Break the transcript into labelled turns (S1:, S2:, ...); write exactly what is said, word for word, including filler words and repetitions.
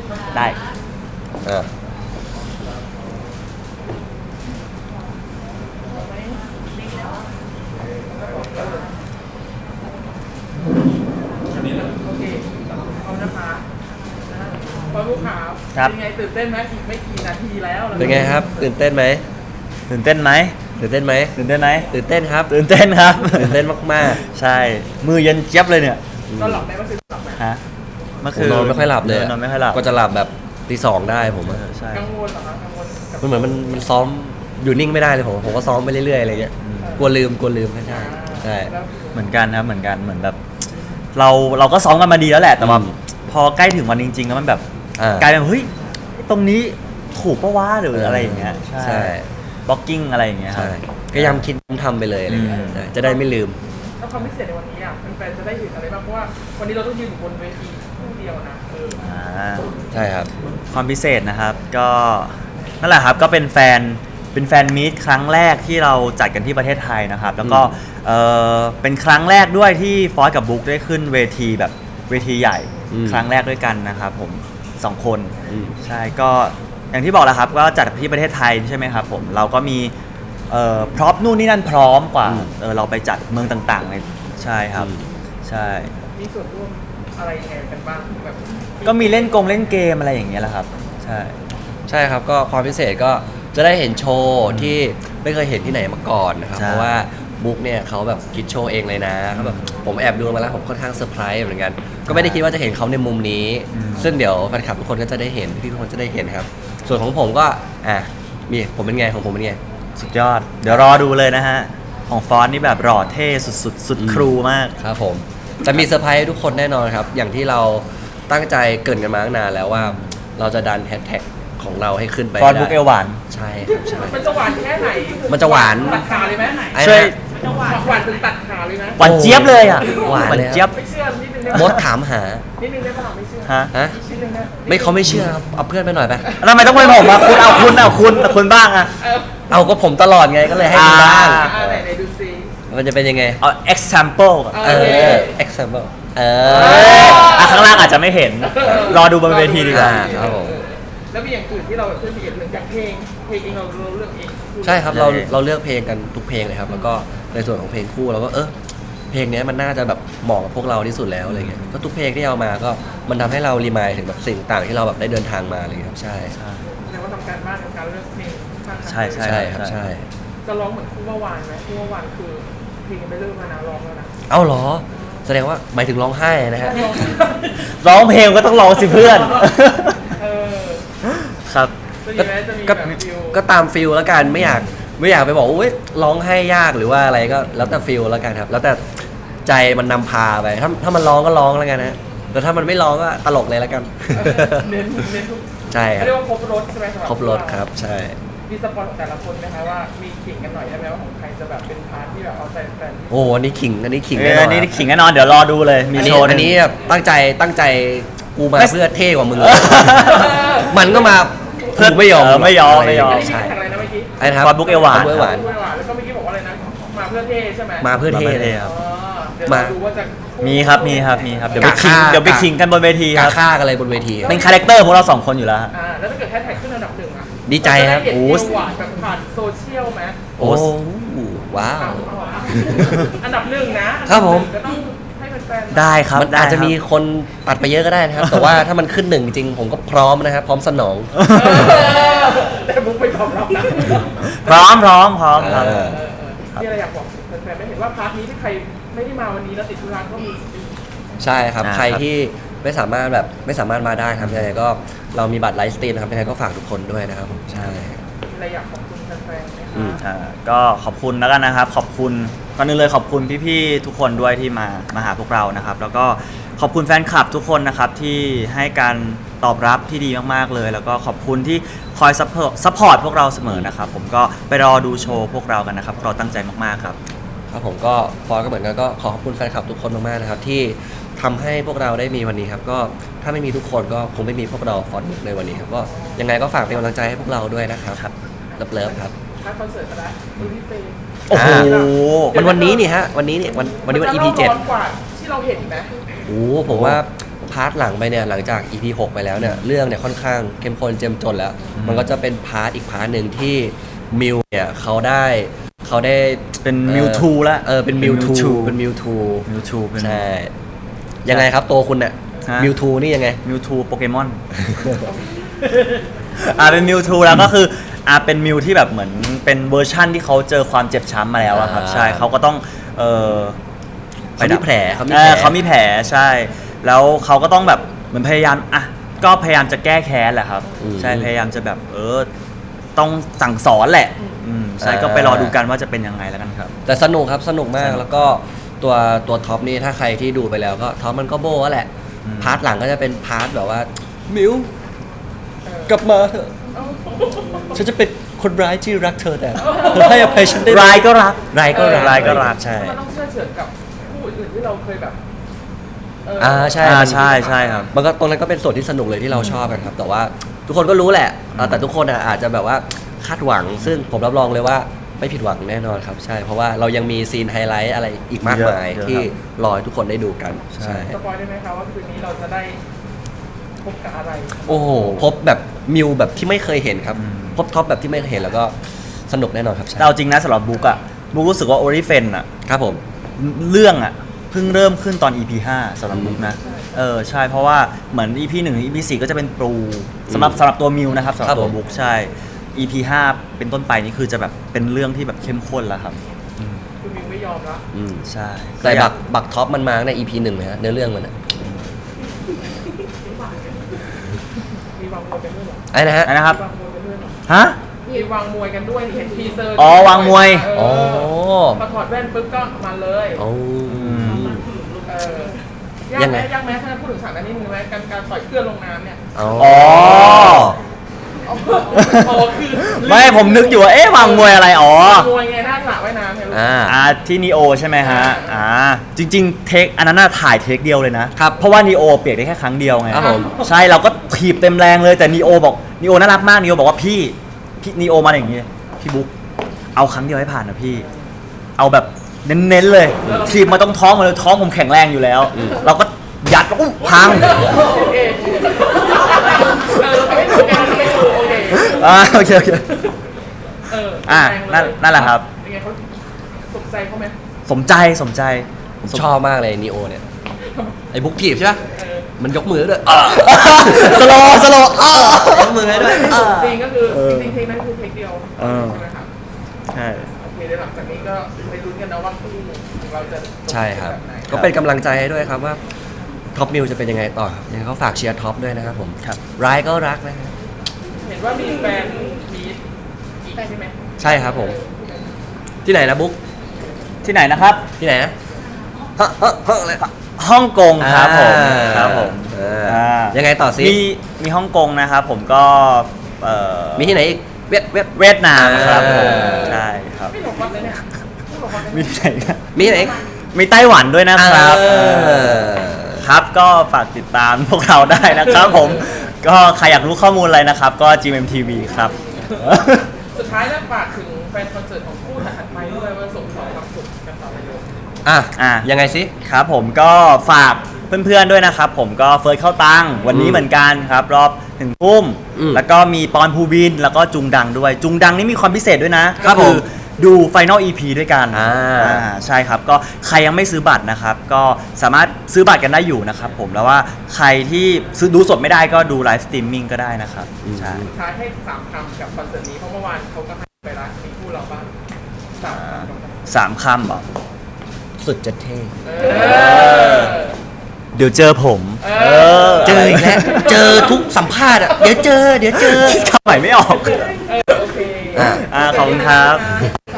S1: ได้
S2: อ่า
S3: โอเคเอานะคะพอลูกค้าเป็นไงตื่นเต้นไหมอีกไม่กี่นาทีแล้ว
S2: เป็นไงครับตื่นเต้นไหม
S1: ตื่นเต้นไหม
S2: ตื่นเต้นไหม
S1: ตื่นเต้นไหม
S2: ตื่นเต้นครับ
S1: ตื่นเต้นครับ
S2: ตื่นเต้นมาก
S1: ๆใช่มือเย็นเจี๊ยบเลยเนี่ย
S3: นอนหลับไหมเมื่อคืนหลับไหม
S1: ฮะ
S2: เมื่อคืนนอนไม่ค่อยหลับเลย
S1: นอนไม่ค่อยหลับ
S2: ก็จะหลับแบบตีสองได้ผม
S1: ใช่
S3: กังวลเหรอคะกังวล
S2: มันเหมือนมันมันซ้อมอยู่นิ่งไม่ได้เลยผมผมก็ซ้อมไปเรื่อยๆอะไรเงี้ยกลัวลืมกลัวลืมใช่ใช่
S1: เหมือนกันครับเหมือนกันเหมือนแบบเราเราก็ซ้อมกันมาดีแล้วแหละแต่ว่าพอใกล้ถึงวันจริงๆแล้วมันแบบกลายเป็นเฮ้ยตรงนี้ถูกปะวะหรืออะไรอย่างเงี้ยใช่บล็อกกิ้งอะไรอย่างเงี้ยครับ
S2: ก็ย้ำคิดทำไปเลยอะไรเงี้ยจะได้ไม่ลืม
S3: แล้วความพิเศษในวันนี้อ่ะแฟนๆจะได้เห็นอะไรบ้างเพราะว่าวันนี้เราต้องยืนอยู่บนเวทีคู่เดียวนะเออ
S2: ใช่ครับ
S1: ความพิเศษนะครับก็นั่นแหละครับก็เป็นแฟนเป็นแฟนมีตครั้งแรกที่เราจัดกันที่ประเทศไทยนะครับแล้วก็เออเป็นครั้งแรกด้วยที่ฟอสกับบุ๊กได้ขึ้นเวทีแบบเวทีใหญ่ครั้งแรกด้วยกันนะครับผมสองคนใช่ก็อย่างที่บอกแล้วครับว่าจัดที่ประเทศไทยใช่ไหมครับผมเราก็มีเอ่อพร็อพนู่นนี่นั่นพร้อมกว่าเออเราไปจัดเมืองต่างๆเลยใช่ครับใช่
S3: มีส่วนร่วมอะไรยังไงกันบ้างแบบ
S1: ก็มีเล่นกงเล่นเกมอะไรอย่างเงี้ยแหละครับใช่
S2: ใช่ครับก็ความพิเศษก็จะได้เห็นโชว์ที่ไม่เคยเห็นที่ไหนมาก่อนนะครับเพราะว่าบุ๊กเนี่ยเขาแบบคิดโชว์เองเลยนะเขาแบบผมแอบดูมาแล้วผมค่อนข้างเซอร์ไพรส์เหมือนกันก็ไม่ได้คิดว่าจะเห็นเขาในมุมนี้ซึ่งเดี๋ยวแฟนคลับทุกคนก็จะได้เห็นพี่ทุกคนจะได้เห็นครับส่วนของผมก็อ่ะมีผมเป็นไงของผมเป็นไง
S1: สุดยอดเดี๋ยวรอดูเลยนะฮะของฟอนต์นี่แบบหล่อเท่สุดๆสุดครูมาก
S2: ครับผมจะมีเซอร์ไพรส์ทุกคนแน่นอนครับอย่างที่เราตั้งใจเกินกันมาตั้งนานแล้วว่าเราจะดันแฮชแท็กของเราให้ขึ้นไป
S1: ฟอนต์บุ๊กเอลหวาน
S2: ใช่ครับใช่
S3: มันจะหวานแค่ไหน
S2: มันจะหวาน
S3: ตัดขาเลยไหม
S1: ช่วย
S3: หวานหวานถึงตัดขาเลยนะ
S1: หวานเจี๊ยบเลยอ่ะ
S2: หวาน
S1: เจี๊ยบ
S3: ไม่เชื่อนิดนึงได้
S2: มดถามหา
S3: นิดนึงได้ป่ะไม่เชื่อ
S1: ฮะ
S2: ฮะไม่เขาไม่เชื่อครับเอาเพื่อนไปหน่อยไป
S1: ทำไมต้องเป็นผมอ่ะคุณเอาคุณเอาคุณคุณบ้างอ่ะ
S2: เอาก็ผมตลอดไงก็เลยให้คุณบ้าง
S3: ไหนไหนดูซิ
S2: มันจะเป็นยังไง
S1: เอา example
S2: เออ example เอ
S1: อข้างล่างอาจจะไม่เห็นรอดูบนเวทีดีกว่า
S2: ครับผม
S3: แล้วมีอย่างอื่นที่เราเพื่อนมีอย่างอื่นอย่างเพลงเพลงเองเราเราเลือกเอง
S2: ใช่ครับเราเราเลือกเพลงกันทุกเพลงเลยครับแล้วก็ในส่วนของเพลงคู่เราก็เออเพลงนี้มันน่าจะแบบเหมาะกับพวกเราที่สุดแล้วอะไรเงี้ยก็ทุกเพลงที่เอามาก็มันทำให้เรารีมายถึงแบบสิ่งต่างที่เราแบบได้เดินทางมาอะไรเงี้ยครับใช่
S3: แสดงว่าทำการบ้านในการเลือกเพลง
S1: ใช่ใช่
S2: ใช่ครับใช่
S3: จะร้องเหมือนคู่ว่าวานไหมคู่ว่าวานคือเพลงยังไม่เริ่มมานะร้องแล้วนะ
S2: เอ้าเหรอแสดงว่าหมายถึงร้องไห้นะฮะ
S1: ร้องเพลงก็ต้องร้องสิเพื่อนครับ
S2: ก็ก็ตามฟิลแล้วกันไม่อยากไม่อยากไปบอกว่าร้องให้ยากหรือว่าอะไรก็แล้วแต่ฟิลแล้วกันครับแล้วแต่ใจมันนำพาไปถ้าถ้ามันร้องก็ร้องแล้วกันนะแต่ถ้ามันไม่ร้องก็ตลกเลยแล้วกัน
S3: เน้นเน้น
S2: ใช่ครับ
S3: เรียกว่าครบรถใช่ไหม
S2: ครบรถครับใช่
S3: มีสปอนของแต่ละคนไหมคะว่ามีขิงกันหน่อยได้ไหมว่าของใครจะแบบเป็นพาร์ทที่แบบเอาใจแฟน
S2: โอ้อันนี้ขิงอันนี้ขิงแน่นอน
S1: อันนี้ขิงแน่นอนเดี๋ยวรอดูเลยมีโชว์
S2: อันนี้ตั้งใจตั้งใจกูมาเพื่อเท่กว่ามึงมันก็มาเพื่อไม่ยอม
S1: ไม่ยอมไม่ยอม
S3: ใช่อะไรนะเมื่อกี้
S2: ไอ้ครับ
S1: ฟอนต์บุ๊กเอลหวาน
S3: แล้วก็เมื่อกี้บอกว่าอะไรนะมาเพื่อเท่ใช่ไหม
S2: มาเพื่อเท่เลยครับ
S3: มาดูว่าจะ
S1: มีครับมีครับมีครับเดี๋ยวไปขิงเดี๋ยวไปขิงกันบนเวทีครับ
S2: ฆ่ากันอะไรบนเวที
S1: เป็นคาแรคเตอร์พวกเราสองคนอยู่แล้ว
S3: อ่าแล้วถ้าเกิดแฮชแท็กขึ้นอันดับหนึ่งอ่ะ
S2: ดีใจครับ
S3: โอ้หวานแบบผ่านโซเชียลไหม
S2: โอ้ว้าว
S3: อันดับหนึ่งนะครับผมก็ต้องให้แฟน
S1: ได้ครับ
S2: มันอาจจะมีคนตัดไปเยอะก็ได้นะครับแต่ว่าถ้ามันขึ้นหนึ่งจริงผมก็พร้อมนะครับพร้อมสนอง
S3: แต่บุ๊กไม่พร้อมรับนะ
S1: พร้อมพร้อมพร้อมครับ
S3: ที่อะไรอยากบอกแฟนๆไม่เห็นว่าพาร์ทนี้ที่ใครไม่ได้มาวันนี้แล้วติดธุระก็มี
S2: ใช่ครับใครที่ไม่สามารถแบบไม่สามารถมาได้ครับยังไงก็เรามีบัตรไลฟ์สตรีมนะครับยังไงก็ฝากทุกคนด้วยนะครับใช่
S3: อะไรอยากขอบคุณแฟนๆไหมคะ
S1: ก็ขอบคุณแล้วกันนะครับขอบคุณก่อนอื่นเลยขอบคุณพี่ๆทุกคนด้วยที่มามาหาพวกเรานะครับแล้วก็ขอบคุณแฟนคลับทุกคนนะครับที่ให้การตอบรับที่ดีมากๆเลยแล้วก็ขอบคุณที่คอยซัพพอร์ตซัพพอร์ตพวกเราเสมอนะครับผมก็ไปรอดูโชว์พวกเรากันนะครับเราตั้งใจมากๆครับ
S2: ครับผมก็ฟอร์ก็เหมือนกันก็ขอขอบคุณแฟนคลับทุกคนมากๆนะครับที่ทำให้พวกเราได้มีวันนี้ครับก็ถ้าไม่มีทุกคนก็คงไม่มีพวกเราฟอร์บุ๊กในวันนี้ครับก็ยังไงก็ฝากเป็นกำลังใจให้พวกเราด้วยนะครับครับเลิฟๆครับ
S3: ถ้าคอนเสิร์ตก็ได้ดูที่เฟย์
S1: โอ้โห
S2: มันวันนี้นี่ฮะวันนี้นี่วันวันนี้วัน อี พี เจ็ด
S3: กว่าที่เราเห็นไหม
S2: โอ้ผมว่าพาร์ทหลังไปเนี่ยหลังจาก อี พี หกไปแล้วเนี่ยเรื่องเนี่ยค่อนข้างเข้มข้นเจ้มจนแล้ว มันก็จะเป็นพาร์ทอีกพาร์ทหนึ่งที่มิวเนี่ยเขาได้เขาได้
S1: เป็น
S2: อ่อ
S1: มิวทูละ
S2: เออเป็นมิวทูเป็นมิวทู
S1: มิวทูเป็น
S2: ใช่ยังไงครับตัวคุณเนี่ย
S1: ฮะ
S2: มิวทูนี่ยังไง
S1: มิวทูโปเกมอน อ่าเป็นมิวทูแล้วก็คืออ่าเป็นมิวที่แบบเหมือนเป็นเวอร์ชั่นที่เขาเจอความเจ็บช้ำมาแล้วอะครับ
S2: อ่า
S1: ใช่เขาก็ต้องเออ
S2: เขามีแผลเขามี
S1: เอ
S2: แผล
S1: อเขามีแผลใช่ แล้วเขาก็ต้องแบบเหมือนพยายามอ่ะก็พยายามจะแก้แค้นแหละครับ
S2: อืม
S1: ใช่พยายามจะแบบเออต้องสั่งสอนแหละอืมใช่
S2: อ่า
S1: ก็ไปรอดูกันว่าจะเป็นยังไงแล้วกันครับ
S2: แต่สนุกครับสนุกมาก
S1: สนุก
S2: แล้วก็ตัวตัวท็อปนี่ถ้าใครที่ดูไปแล้วก็ท็อปมันก็โบ้แหละ
S1: อืม
S2: พาร์ทหลังก็จะเป็นพาร์ทแบบว่ามิวกลับมาเถอะฉันจะเป็นคนร้ายที่รักเธอแต่ให้อภัยฉันได้ไหม
S1: รายก็รัก
S2: ร้ายก็รัก
S1: ร้ายก็รัก
S2: ใช่
S3: มันต้องเชื่อเฉือนกับผู้อื่นที่เราเคยแบบเ
S2: อ่าใช่
S1: อ่า
S2: มัน
S1: ใช่ใช่ครับ
S2: มันก็ตรงนั้นก็เป็นส่วนที่สนุกเลยที่เราชอบกันครับ แต่ว่าทุกคนก็รู้แหละอ่าแต่ทุกคนอ่ะอาจจะแบบว่าคาดหวัง ซึ่งผมรับรองเลยว่าไม่ผิดหวังแน่นอนครับ ใช่ เพราะว่าเรายังมีซีนไฮไลท์อะไรอีกมากมาย
S1: เยอะเยอะ
S2: ที่
S1: ครับ
S2: รอให้ทุกคนได้ดูกัน
S1: ใช่
S3: สปอยได้ไหมคะว่าคืนนี้เราจะได้พบกับอะไร
S2: โอ้โหพบแบบมิวแบบที่ไม่เคยเห็นครับ
S1: อืม
S2: พบท็อปแบบที่ไม่เคยเห็นแล้วก็สนุกแน่นอนครับใช่
S1: แต่เอาจริงนะสำหรับบุ๊กอะบุ๊กรู้สึกว่าโอริเฟนอะ
S2: ครับผม
S1: เรื่องอะเพิ่งเริ่มขึ้นตอน อี พี ห้าสำหรับบุ๊กนะเออใช่เพราะว่าเหมือน อี พี หนึ่งถึง อี พี สี่ก็จะเป็นปูสำหรับสำหรับตัวมิวนะครับสำหรับตัวบุ๊กใช่ อี พี ห้าเป็นต้นไปนี่คือจะแบบเป็นเรื่องที่แบบเข้มข้นแล้วครับ
S3: คือมิวไม่ยอมละ
S2: อืม
S1: ใช่
S2: แต่บักบักท็อปมันมาใน อี พี หนึ่งนะฮะเนื้อเรื่องมันอะ
S3: มีวางมวยกันด้วยเหรอ
S2: ไอ้นะฮะ
S1: อันนะครับ
S3: มีวางมวยกันด้วยเหรอ
S1: ฮะ
S3: มีวางมวยกันด้วยเห็นทีเซอร์
S1: อ๋อวางมวย
S3: เอ
S2: อ๋อ
S3: อพอถอดแว่นปุ๊บก็มาเลย
S2: โอ้
S3: เออยาก
S2: ยัง
S3: ไห
S2: ไง
S3: มยากไหมถ้าพูดถึงฉากนั้นนิดนึงไหมการการต่อยเพื่อนลงน้ำเนี่ย
S2: อ๋อ
S1: อ๋อ
S3: อ๋ออ๋อคือ
S1: ไม่ผมนึกอยู่ว่าเอ๊ะวางมวยอะไรอ๋อ
S3: มวยไงหน้าสระว่ายน้ำไงลูก
S2: อ่า
S1: อ่าที่นีโอใช่ไหมฮะ
S3: อ่า
S1: อ่าจริงๆเทคอันนั้นน่ะถ่ายเทคเดียวเลยนะครับ เพราะว่านีโอเปียกได้แค่ครั้งเดียวไง
S2: ครับผม
S1: ใช่เราก็ถีบเต็มแรงเลยแต่นีโอบอกนีโอน่ารักมากนีโอบอกว่าพี่พี่นีโอมาอย่างงี้พี่บุ๊กเอาครั้งเดียวให้ผ่านนะพี่ เอาแบบเน้นๆเลยถีบมาตรงท้องมาเลยท้องผมแข็งแรงอยู่แล้ว เราก็ยัดแล้วก็พัง
S3: โอเคเออไม่ถูกไงไม่ถูกโอเค
S1: อ่าโอเคโอเค
S3: เออ
S1: อ่า
S3: แรงเลย
S1: นั่นนั่นแหละครับ
S3: เป็นไงเขาสนใจเขาไหม
S1: สมใจสมใจ
S2: ผมชอบมากเลยนีโอเนี่ย ไอ้บุ๊กทีบใช่ปะ
S3: เออ
S2: มันยกมือด้วย
S1: สโลว์สโลว์อ้า
S2: ยกมือให้ด้วย
S3: จริงก็คือ
S1: เออ
S3: จริงๆเทคนั้นคือเทคเดียว
S1: เออ
S3: ใช่ไหมครับ
S1: ใช่
S3: โอเคเดี๋ยวหลังจากนี้ก็ไปลุ้นกันนะว่าคู่ของเราจะจ
S2: ใช่ครับ
S3: แไหน
S2: ก็เป็นกำลังใจให้ด้วยครับว่าท็อปมิวจะเป็นยังไงต่อครับยังไงก็ฝากเชียร์ท็อปด้วยนะครับผม
S1: ครับ
S2: ร้ายก็รักนะครับ
S3: เห็นว่ามีแฟนมีอีกใช่ไหม
S2: ใช่ครับผม ที่ไหนนะบุ๊ก
S1: ที่ไหนนะครับ
S2: ที่ไหนนะฮะฮะฮะอะไร
S1: ฮ่องกงครับผม
S2: อ่า
S1: ครับผม
S2: อ่า
S1: อ่า
S2: ยังไงต่อสิ
S1: มีมีฮ่องกงนะครับผมก็เอ่อ
S2: มีที่ไหนอีกเวียดเวียด
S1: เวียดนามครับผม
S2: อ่า
S1: ใช่ครับ
S3: ไม่หลงวัดเลยเนี่ยไม่หลงวัดเลย
S1: มี
S3: เนี่ย
S1: ที่ไหนครับ
S2: มีที่ไหนอีก
S1: มีไต้หวันด้วยนะครับ
S2: เออ
S1: เออครับก็ฝากติดตามพวกเราได้นะครับผม ก็ใครอยากรู้ข้อมูลอะไรนะครับ ก็ จี เอ็ม ที วี ครับ
S3: สุดท้ายแล้วฝากถึงแฟนคอนเสิร์ตของคู่ถัดไปด้วยว่าส่งต่อความสุขกันต่อไปเลย
S2: อ่ะ
S1: อ่ะ
S2: ยังไงสิ
S1: ครับผมก็ฝากเพื่อนๆด้วยนะครับ ผมก็เฟิร์สเข้าตังค์วันนี้
S2: อืม
S1: เหมือนกันครับ รอบถึงทุ่ม
S2: อืม
S1: แล้วก็มีปอนภูบิน แล้วก็จุงดังด้วย จุงดังนี่มีความพิเศษด้วยนะครับ ก็
S2: ผม
S1: ดูไฟนอล อี พี ด้วยกัน
S2: อ่า
S1: อ่าใช่ครับ ก็ใครยังไม่ซื้อบัตรนะครับ ก็สามารถซื้อบัตรกันได้อยู่นะครับผมแล้วว่าใครที่ซื้อดูสดไม่ได้ก็ดูไลฟ์สตรีมมิ่งก็ได้นะครับใช่
S3: สุดท้ายให้สามคำกับคอนเสิร์ตนี้เพราะเมื่อวานเขาก็ให้ไปแล้วมีคู่เราบ้างสามคำก่อนนะ
S1: สามคำเหรอ
S2: สุดจะเท่
S3: เออ
S1: เดี๋ยวเจอผม
S3: เออ
S2: เจออีกแล้วเจอทุกสัมภาษณ์อ่ะเดี๋ยวเจอ เดี๋ยวเจอ
S1: คำใหม่ไม่ออก
S3: เออโอเค
S2: อ่ะ
S1: อ่าขอบคุณครับ
S3: ขอบคุณ